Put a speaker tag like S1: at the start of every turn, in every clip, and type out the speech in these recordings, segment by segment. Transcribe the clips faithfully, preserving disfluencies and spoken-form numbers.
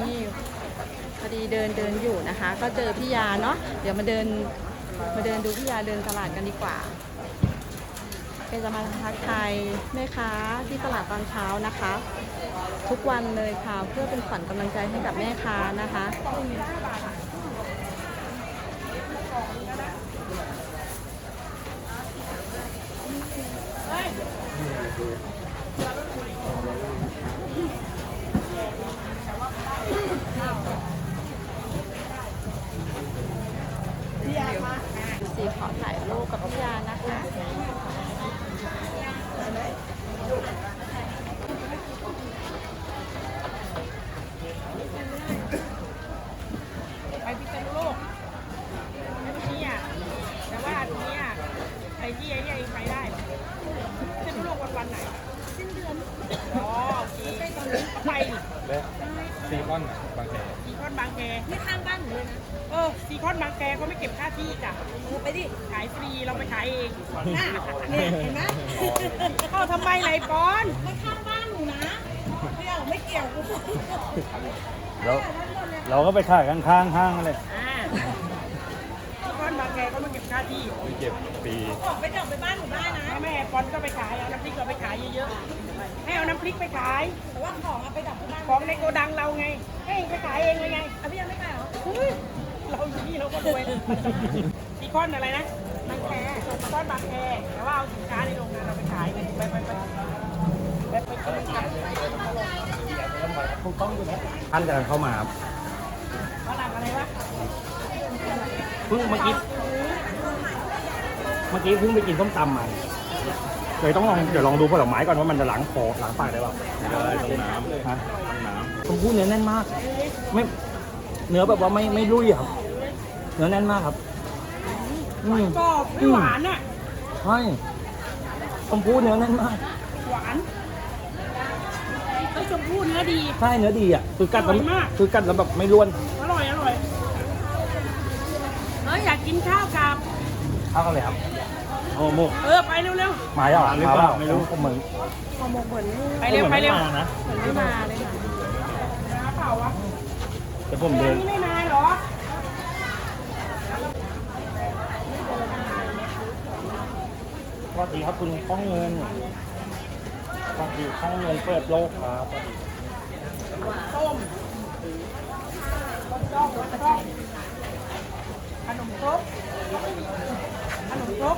S1: นี่พอดีเดินเดินอยู่นะคะ ก็เจอพี่ยาเนาะเดี๋ยวมาเดินมาเดินดูพี่ยาเดินตลาดกันดีกว่าเป็นจะมาทักทายแม่ค้าที่ตลาดตอนเช้านะคะ ทุกวันเลยค่ะเพื่อเป็นขวัญกำลังใจให้กับแม่ค้านะคะสีขอถ่ายรูปกับพี่ยานะคะ
S2: ไปพิษณุโลกไอ้พวกนี้อ่ะแต่ว่าตรงนี้อ่ะไอ้ที่ไอ้นี่ไปได้พิษณุโลกวันวันไหนสิ้นเดือนอ๋อโอเคตอนนี้ไป
S3: ซีคอนบางแค
S2: ซีคอนบางแคนี่ข้างบ้านหนูเลยนะเออซีคอนบางแคเขาไม่เก็บค่าที่จ้ะไปดิขายฟรีเราไปขายเองน่ะเนี่ยเห็นไหมเข้าทำไมไรปอนไม่ข้างบ้านหนูนะไม่เกี่ยวไม่เกี่ยวกู
S3: เราเราก็ไปขายข้างๆห้างเลย
S2: อ่าซีคอนบางแคเขาไม่เก็บค่าที่
S3: ไม่เก็บฟรี
S2: บอกไปจับไปบ้านหนูได้นะแม่ปอนก็ไปขายเอาน้ำพริกก็ไปขายเยอะๆให้เอาน้ำพริกไปขายแต่ว่าของเอาไปดับที่บ้านของในโกดังเราไงให้ไปขายเองเลยไงอ่ะพี่ยังไม่ขายเหรอเราอยู่นี่เราก็รวยซีคอนอะไรนะบางแคซีคอนบางแคแต่ว่าเอาสินค้าในโรงงานเราไปขายไปไปไปไปไปไปกัน
S3: ถูกต้องอยู่นะท่านกำลังเข้ามาครับ
S2: ฝรั่งอะไรวะ
S3: เพิ่งเมื่อกี้เมื่อกี้เพิ่งไปกินส้มตำมาเลยต้องลองเดี๋ยวลองดูผลไม้ก่อนว่ามันจะล้างคอล้างปากได้เปล่าได้ต้องน้ำฮะน้ำชมพู่เนื้อแน่นมากไม่เนื้อแบบว่าไม่ไม่รุ่ยครับเนื้อแน่นมากครับ
S2: กรอบไม่หวานอ่ะ
S3: ใช่ชมพู่เนื้อแน่นมาก
S2: หวานไอ้ชมพู่เนื้อดี
S3: ใช่เนื้อดีอ่ะคือกัดแล้วคือกัดแล้วแบบไม่ร่วน
S2: อร่อยอร่อยเอออยากกินข้าวกับ
S3: ข้าวกันเลยครับโอ้โห
S2: เออไปเร็ว
S3: ๆมาแล้วหรือเปล่าไม่รู้ก็เหมือน
S2: ไปเร็วไปเร็ว
S1: นะไม่มาเลย
S2: ค่ะเปล่าวะ
S3: แต่ผมเดิน
S2: นี่ไม่มาหรอ
S3: สวัสดีครับคุณข้องเงินสวัสดีข้องเงินเปิดโลกครับ
S2: ต้มต้มต้มขนมครกขนมครก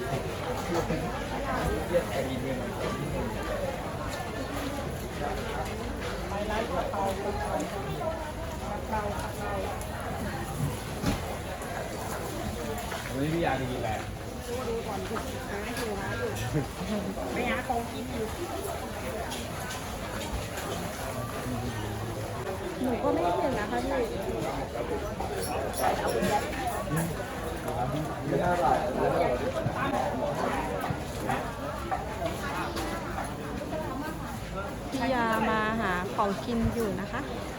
S2: ไปร้านกะเพรากะเพรากะเพรากะเพรา
S3: วันนี้พี่ยาจะกินอะไร
S2: ดูดูก่อนดูหาอยู่หาอยู่ไปหาของกินอยู่
S1: หนูก็ไม่เห็นนะคะพี่พี่ยามาหาของกินอยู่นะคะ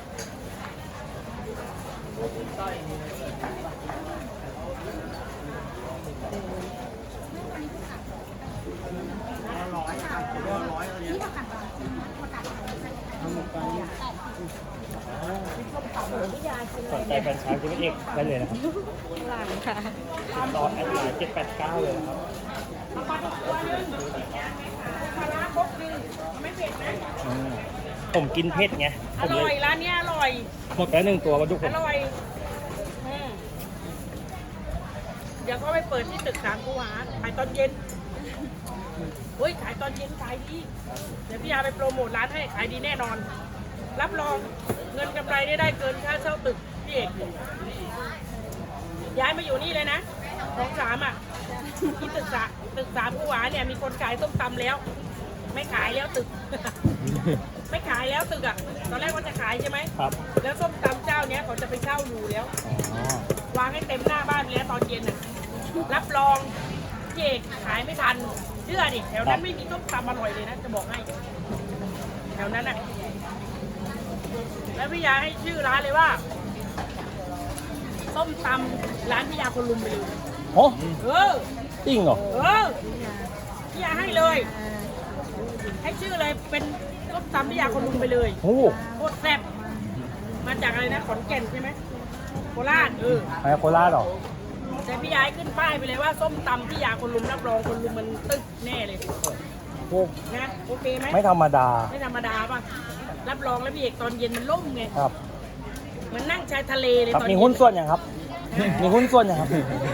S3: สนใจแฟนชายคุณเอกได้เลยนะครับ
S1: หลังค่ะ
S3: ต่อแอดไลน์เจ็ดแปดเก้าเลยนะครับ
S2: ปลาตัวนึงปลาร้าครกนึงไม่เผ็ดนะ
S3: ผมกินเผ็ดไง
S2: อร่อยร้านนี้อร่อย
S3: หมดแล้วหนึ่งตัวมาทุกคน
S2: อร่อยเดี๋ยวก็ไปเปิดที่ตึกสามกุหลาบขายตอนเย็นเฮ้ยขายตอนเย็นขายดีเดี๋ยวพี่ยาไปโปรโมทร้านให้ขายดีแน่นอนรับรองเงินกำไรได้ได้เกินค่าเช่าตึกพี่เอกย้ายมาอยู่นี่เลยนะของสามอ่ะที่ตึกสามตึกสามกุหลาบเนี่ยมีคนขายส้มตำแล้วไม่ขายแล้วตึกไม่ขายแล้วตึกอ่ะตอนแรกว่าจะขายใช่ไหม
S3: ครับ
S2: แล้วส้มตำเจ้าเนี้ยเขาจะไปเช่าอยู่แล้ววางให้เต็มหน้าบ้านแล้วตอนเย็นอ่ะรับรองพี่เอกขายไม่ทันเชื่อดิแถวนั้นไม่มีส้มตำอร่อยเลยนะจะบอกให้แถวนั้นอ่ะแล้วพี่ยาให้ชื่อร้านเลยว่าส้มตำร้านพี่ยาคนลุมไปเลย
S3: โอ้
S2: เออ
S3: จริงเหรอ
S2: เออพี่ยาให้เลยให้ชื่อเลยเป็นส้มตำพี่ยาคนลุมไปเลย
S3: โอ้
S2: โคตรแซ่บมาจากอะไรนะขอนแก่นใช่ไหมโคราชเออ
S3: ไปโคราชเหรอ
S2: แต่พี่ยายขึ้นป้ายไปเลยว่าส้มตำพี่ยาคนลุมรับรองคนลุมมันตึ๊กแน่เลย
S3: โอ้
S2: นะโอเคไหม
S3: ไม่ธรรมดา
S2: ไม่ธรรมดาป่ะรับรองแล้วพี่เอกตอนเย็นมันล่มไง
S3: ครับ
S2: เหมือนนั่งชายทะเลเลย
S3: ครับ
S2: ตอน
S3: มี
S2: เย็
S3: หุ้นส่วนยังครับ มีหุ้นส่วนยังครับ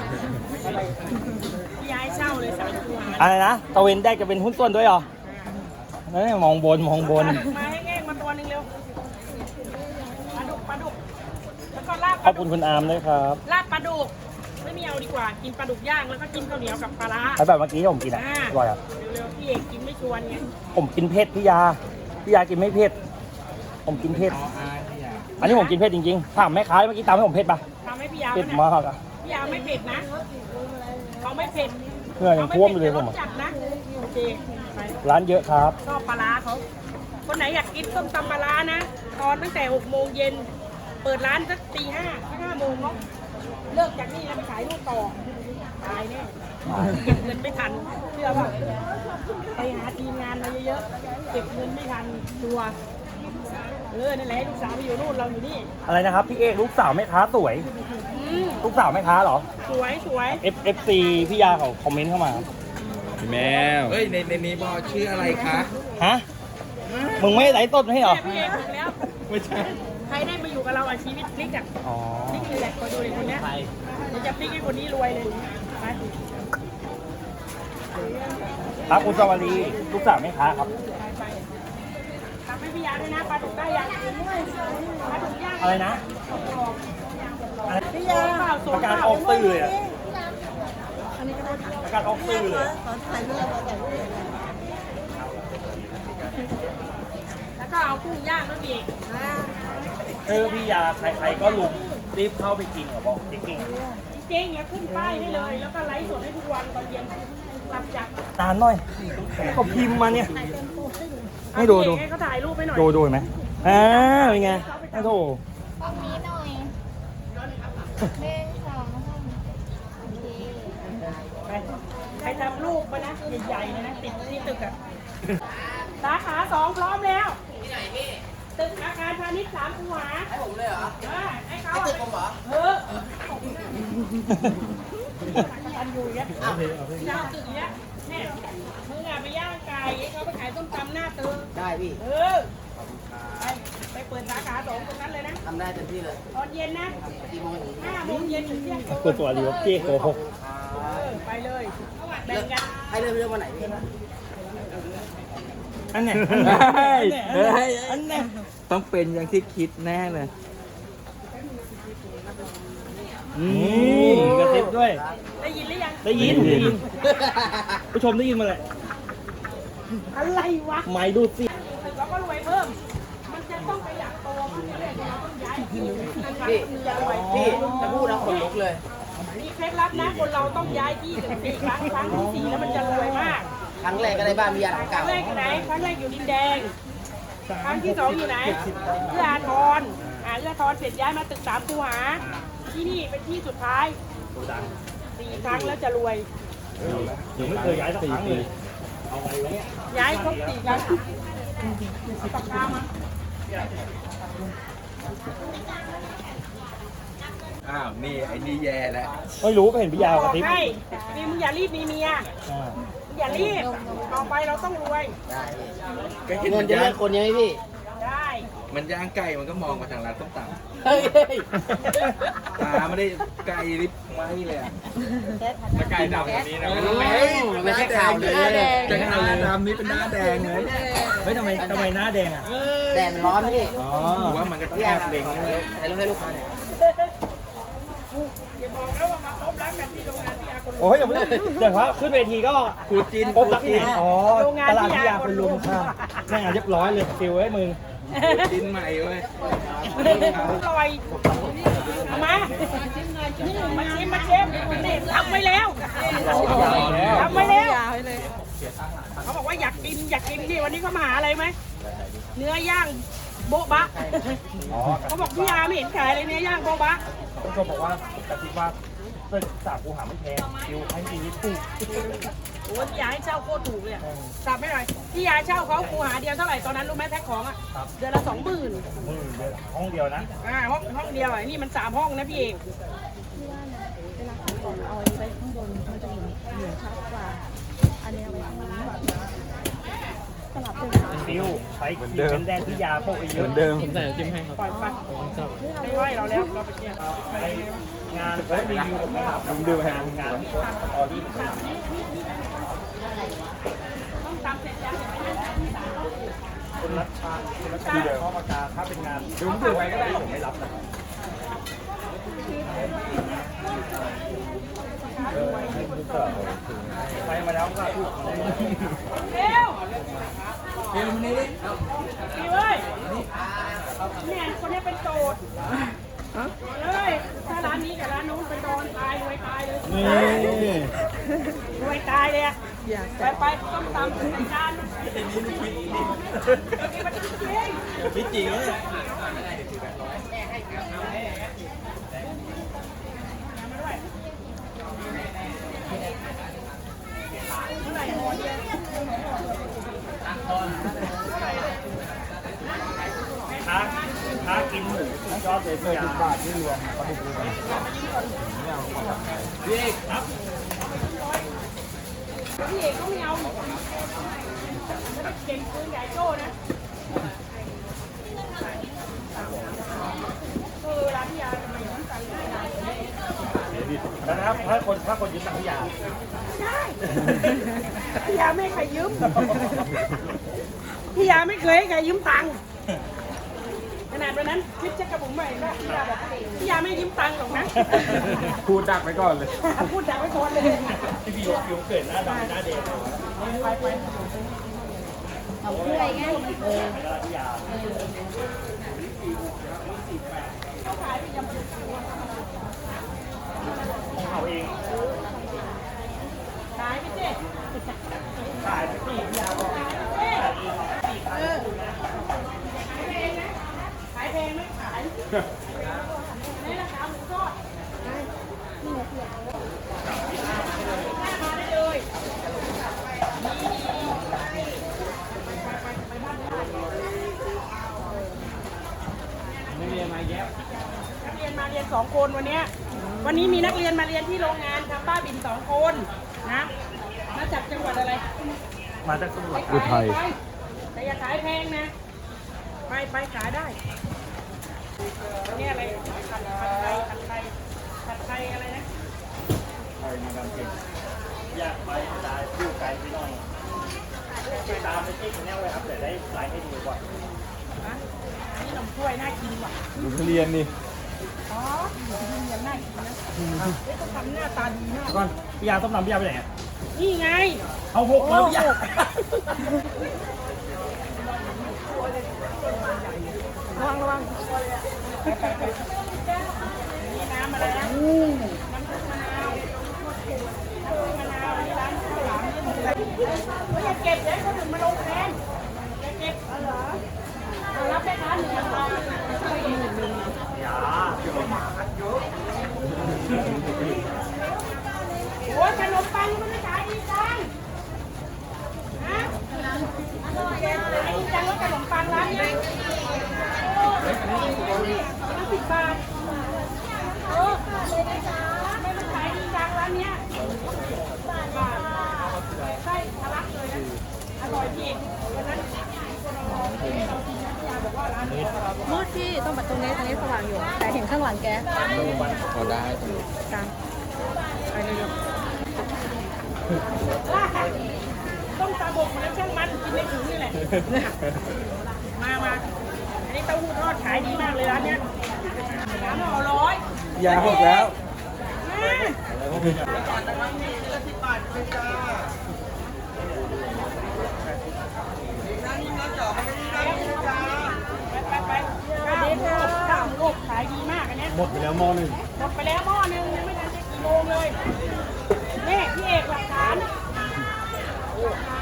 S2: พี่ยายเช่าเลยสายตัว
S3: อะไรนะตะเวนแดกจะเป็นหุ้นส่วนด้วยเหรอนั่นมองบนมองบน
S2: มาให้แง่งมาตัวหนึงเร็วปลาดุกปลาดุกแล้วก็ลาบ
S3: ข
S2: ป
S3: อบ
S2: ลาดุ
S3: คุ
S2: ก
S3: ณคุณอาร์มด้วยครับ
S2: ลาบปลาดุกไม่มีเอาดีกว่ากินปลาดุกย่างแล้วก็กินข้าวเหนียวกับปลาร้า
S3: แล้วแบบเมื่อกี้ที่ผมกินอ่ะ
S2: อ่า
S3: อร่อยอ่ะ
S2: เร็วๆพี่เอกกินไม่ชวนไง
S3: ผมกินเผ็ดพี่ยา พี่ยากินไม่เผ็ด ผมกินเผ็ด อันนี้ผมกินเผ็ดจริงๆ ถามแม่ค้าเมื่อกี้ตามให้ผมเผ็ดปะ
S2: ทำให้พี่ยา
S3: เผ็ด
S2: ไหม
S3: มากอ่ะ
S2: พี่ยาไม่เผ็ดนะเขาไม่เผ็ด
S3: เหงื่อยังท่วมอยู่เลยผม
S2: ร
S3: อะ
S2: สจัดนะโอเคไป
S3: ร้านเยอะครับ
S2: ชอบปลาร้าเขาคนไหนอยากกินส้มตำปลาร้านะตอนตั้งแต่หกโมงเย็นเปิดร้านสักตีห้าห้าโมงเนาะเลิกจากนี่แล้วไปขายลูกต่อตายแน่เก็บเงินไม่ทันเชื่อป่ะไปหาทีมงานมาเยอะๆเก็บเงินไม่ทันตัวเออนั่นแหละให้ลูกสาวไปอยู่นู่นเราอยู่นี่
S3: อะไรนะครับ พี่เอกลูกสาวแม่ค้าสวย
S2: อืม
S3: ลูกสาวแม่ค้าเหรอ
S2: สวยสวย
S3: F F C พี่ยาเขาคอมเมนต์เข้ามาครับ
S4: พี่แมวเอ้ยในในนี้บอกชื่ออะไรคะ
S3: ฮะ มึงไม่ไลฟ์สดให้เหรอ
S2: แม่พี่เอกถูกแล้ว
S4: ไม่ใช่
S2: ใครได้มาอยู่กับเราอ่ะชีวิตพลิกอ่ะ
S3: อ๋อ
S2: พลิกเลยแหละคอยดูเลยคนเนี้ยเดี๋ยวจะพลิกให้คนนี้รวยเลยไป
S3: ครับคุณสวัสดีลูกสาวแม่ค้าครับ
S2: ไปทำให้พี่ยาด้วยนะปลาดุกได้ยังปลาดุกย่าง
S3: อะไรนะ
S2: พี่ยาเปล่าโซ
S3: ประกาศ
S2: เปล่า
S3: ออกสื่อเลยอะประกาศออกสื่อเลย
S2: แล้วก็เอากุ้งย่างด้วยพี่เอก
S3: เออพี่ยาใครๆก็ลุมรีบเข้าไปกินเหรอบอกจริง
S2: จริงๆแล้วขึ้นป้ายให้เลย แล้วก็ไลฟ์สดให้ทุกวันตอนเย็นหลับจาก
S3: ๆตามหน่อยเขาพิมพ์มาเนี่ย ให้ดูดู
S2: ให้เขาถ่ายรูปให้หน่อย
S3: ดูดูเห็นไหมอ่าเป็นไงโอ้โห
S5: ตรงนี้หน่อยหนึ่งสองสามโอเค
S2: ไปใครทำรูปมานะใหญ่ๆเลยนะติดที่ตึกอะสาขาสองพร้อมแล้วที่ไหนพี่ตึกอาคารพาณิชย์สามคูหาให้ผมเลยเหรอเออให้เขาตึกผมเหรอเออกันอยู่อย่างเงี้ยย่างตึกอย่างเงี้ยเนี่ยมึงอะไปย่างไก่ให้เขาไปขายส้มตำหน้าตึก
S6: ได้พี่
S2: เออไปไปเปิดสาขาสองตรงนั้นเลยนะ
S6: ทำได้เต็มที่เลย
S2: ตอนเย็นนะ
S6: กี่โมงถึง
S2: ห้าโมงเย็นถึงเที่ยงคืน
S3: คุณตัวรีวเจ๊โกหก
S2: เออไปเลยแบ่งกัน
S6: ให้เริ่มเรื่องวันไหนพี่
S3: อันเนี้ย
S4: เฮ้ยเฮ้ย
S3: อันเนี้ย
S4: ต้องเป็นอย่างที่คิดแน่เลย
S3: นี่กระซิบด้วย
S2: ได้ยินหรือยัง
S3: ได้ยินได้ยินผู้ชมได้ยินมาแหละ
S2: อะไรวะ
S3: ไม่ดูสิ
S2: เราก็รวยเพิ่ม มันจะต้องประหยัดโตมันจะได้เราต้องย้ายที่นะครับ
S6: พี่
S2: จะรวย
S6: พี่จะพูดนะขนลุกเลย
S2: มีเคล็ดลับนะคนเราต้องย้ายที่ถึงสี่ครั้งครั้งที่สี่แล้วมันจะรวยมาก
S6: ครั้งแรกก็ได้บ้านมียาหลัง
S2: ครั้
S6: เก่าง
S2: แรกอยู่ไหนครั้งแรกอยู่ดินแดง ครั้งที่สองอยู่ไหนเอื้ออาทรอ่าเอื้ออาทรเสร็จย้ายมาตึกสามคูหา ที่นี่เป็นที่สุดท้ายสี่ครั้งแล้วจะรวย
S3: ยังไม่เคยย้ายสักครั้งเลย
S2: ย้ายครบสี่ครั้งปากกามา
S4: อ้าว นี่ไอ้นี่แย่แล้ว
S3: ไม่รู้ก็เห็นพี่ยาว
S2: บ
S3: กระ
S2: อก
S3: ซิบ
S2: ให้มีมึงอย่ารีบมีเมีย
S3: อ่า
S2: มึงอย่ารีบ ต่อไปเราต้องรวย
S6: ได้พี่
S4: ก็เห็น
S6: เงิ
S4: มัน น
S6: จะ
S4: ย่า
S6: เลือง กคนยังไงพี่
S2: ได้
S4: มันย่างไก่มันก็มองมาทางร้านต้มต
S6: เฮ้ย
S4: ำตาไม่ได้ไก่ริบไม้เลยอะถ้าไก่ดำแบบนี้นะ
S6: เฮ้ยไม่ใช่ข่าวเลย
S4: จะหน้าดำนี่เป็นหน้าแดงเลย
S3: เฮ้ยทำไมทำไมหน้าแดงอ่ะ
S6: แดดร้อนพี่
S3: อ๋อ
S4: ผมว่ามันก็แทบเล็งเลย
S6: ถ่ายรูปให้ลูกค้าหน่อย
S2: อย่าบอกนะว่ามาพบรักกันที่โรงงานที่อาคน
S3: โอ้ยอย่าเพิ่งเดี๋ยวว่าขึ้นเวทีก็
S4: ขูดจีน
S3: พบรักที่ไหนอ๋อตลาดพิยาคนลุมค่ะแม่งานเรียบร้อยเลยฟิลไว้มึง
S4: จีนใหม่เว้ย
S2: ลอยเอามามาชิมมาชิมนี่ทำไว้แล้วทำไว้แล้ว
S1: ยาวให้เลย
S2: เขาบอกว่าอยากกินอยากกินนี่วันนี้เขามาหาอะไรไหมเนื้อย่างโบ๊ะบะ
S3: อ๋อ
S2: เขาบอกพี่ยาไม่เห็นขายเลยเนื้อย่างโบ๊ะบะ
S3: ผู้ชมบอกว่ากระซิบว่าตึกสามกูหาไม่แพงฟิลให้ดีที่ถูก
S2: โอ้ยพี่ยาให้เช่าโคตรถูกเลยอะสับไม่หน่อยพี่ยาเช่าเขาคูหาเดียวเท่าไหร่ตอนนั้นรู้ไหมแพ็คของอ่ะเดือนละสองหมื่น
S3: มือเดียวห้องเดียวนะ
S2: อ่าห้องห้องเดียวอ่ะนี่มันสามห้องนะพี่เอก
S1: ที่ว่านะเวลาขายของเอาอันนี้ไว้ข้างบนมันจะเห็นเหนือชัดกว่า อันนี้เอาไว้ข้างล่างสลับเลยค่ะ
S3: ฟิวใช้ครีมกันแดดที่ยาพวกไอ้เยอะ
S4: เดิม
S3: ผมใส่จิ้มให้ครับ
S2: ปล่อยไปไม่ไหวเราแล้วเราไปเที่ยว
S3: ไปงานเฮ้ยรีวิวผมนะครับผมดูงานงานที่ออดี้
S2: ต้องตามเสร็จยัง
S3: คนรัชชาคนรัชชาเข้ามาการถ้าเป็นงานดูดูไว้ก็ได้ผมไม่รับนะครับไปมาแล้วก็พูด
S2: เร็ว
S4: เดี๋ยวมันนี่ดิ
S2: พี่เว้ยเนี่ยคนนี้เป็นโจทย์เลยถ้าร้านนี้กับร้านนู้นเป็นโดนตายรวยตายเลย
S3: นี่
S2: รวยตายเลยอะ
S1: อยาก
S2: ไปไปต้องตามรายการมันคิดจริง
S4: พี่จริงเลย
S3: ค้าค้ากินหมูยอดเลยยาบาทที่รวมปลาดุกรวม
S4: พี่เอกครับ
S2: พี่เอกก็ไม่เอาเก่งปืนใหญ่โจ้นะเออร้านพี่ยาทำไมต้องสั่งได้
S3: แล้วนะครับถ้าคนถ้าคนยืมตังค์ยา
S2: ใช่พี่ยาไม่เคยยืมพี่ยาไม่เคยให้ใครยืมตังค์ขนาดวันนั้นคลิปเช็คกระบุ๋มใหม่นะพี่ยาบอกพี่ยาไม่ยืมตังค์หรอกนะ
S4: พูดดักไปก่อนเลย
S2: พูดดักไว้ก่อนเลย
S3: ที่พี่ยกยกเกิดหน้าดำหน้าเด็ก
S2: ไปไป
S1: เอาเพื่อไงเออ
S3: ที่ยา
S2: เขาขายไปยัง
S3: เอาเอง
S2: ขายไปสิ
S3: ขายไปที่ยาบอก
S2: เออขายแพงนะขายแพงไม่ขายในราคาหมูทอดมาได้เลย
S3: ไม่มีอะไรแย่
S2: นักเรียนมาเรียนสองคนวันเนี้ยวันนี้มีนักเรียนมาเรียนที่โรงงานทำบ้าบินสองคนนะมาจากจังหวัดอะไร
S3: มาจากสมุทร
S2: อุทัยแต่อย่าขายแพงนะ ไปไปขายได้นี่อะไรผัดผัดไทยผัดไทยผัดไทยอะไรนะ
S3: ไทยมาดามเก่งอยากไปได้ดูไกลไปหน่อยไปตามไปที่คนนี้ไว้ครับเดี๋ยวได้ไลน์ให้ดูก่อน
S2: ฮะนี่ขนมถ้วยน่ากินว่ะ
S4: ดูทุเรียนนี่
S2: อ๋อขนมยังน่ากินนะเฮ้ยต้องทำหน้าตาดีมาก
S3: ก่อนพี่ยาต้มน้ำพี่ยาไปไหน
S2: นี่ไง
S3: เอาหกแล้วพี่ยา
S1: ระวังระวัง
S2: นี่น้ำอะไรนะน้ำซุปมะนาวน้ำซุปมะนาวนี่ร้านข้าวหลามนี่อะไรเฮ้ยอย่าเก็บเดี๋ยวให้คนอื่นมาลงแทนอย่าเก็บเอาเหรอเอารับแค่ร้านหนึ่งพัน
S3: ยาเดี๋ยวมาเยอะ
S2: โอ้ยขนมปังมันไม่ขายดีจังฮะขายดีจังว่าขนมปังร้านเนี้ยโอ้ยห้าสิบบาทเออไม่มันขายดีจังร้านเนี้ยบาทบาทไส้ทะลักเลยนะอร่อยจริงวันนั้นคนเราเรากินนะพี่ยาบอกว่าร้านนี้
S1: มืดที่ต้องแบบตรงนี้ตรงนี้สว่างอยู่ แต่เห็นข้างหลังแก
S4: พอได้
S1: กลางไปเร็ว
S2: ต้องตาบกมาแล้วช่างมันกินในถุงนี่แหละ มามาอันนี้เต้าหู้ทอดขายดีมากเลยร้านเนี้ยสามห่อร้อย
S4: ยาหกแล้ว
S2: ไปไปไปข้าวหมูข้าวหมูอบขายดีมากอันเนี้ย
S3: หมดไปแล้วหม้อหนึ่ง
S2: หมดไปแล้วหม้อนึงยังไม่ทันจะกี่โมงเลยนี่พี่เอกหลักฐานหลักฐาน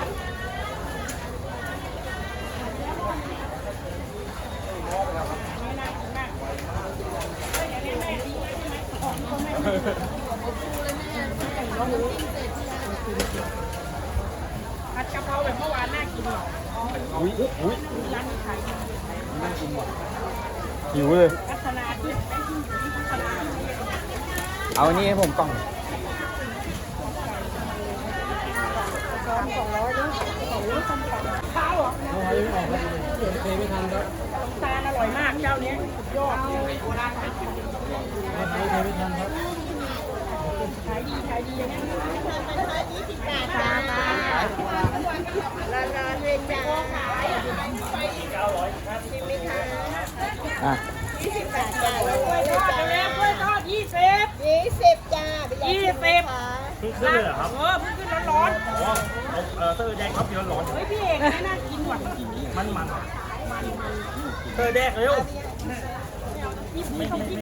S2: ไม่น่ากินมากเฮ้ยอย่างนี้แม่ดีไว้ใช่ไหมของก็แม่ดีะเพราแบบเมื่อวานน่ากินหรอ
S3: อุ้ยอุ้ย
S2: ร้านนี้ขายดี
S3: หิวเลย
S2: พัฒนาที่ไอ้ที่อยู่ที่พัฒนา
S6: เอาอันนี้ให้ผมกล่อง
S2: ข้าวเหรอตาลอร่อยมากเจ้านี้สุดยอดขายดีขายดีอย่างนี้ก
S6: อ่ะ
S2: ล้วยทอดไปแล้วกล้วยทอดยี่สิบ
S5: ยี่สิบจ้า
S2: ยี่สิบ
S3: เพิ่งขึ้นเลยเหรอครับ
S2: เออเพิ่งขึ้นร้อน
S3: อ๋อเออเตอร์แดงครับเดี๋ยวร้อน
S2: ๆเฮ้ยพี่เอกไม่น่ากินหวานจริง
S3: มันมันเตอร์แดงเร็ว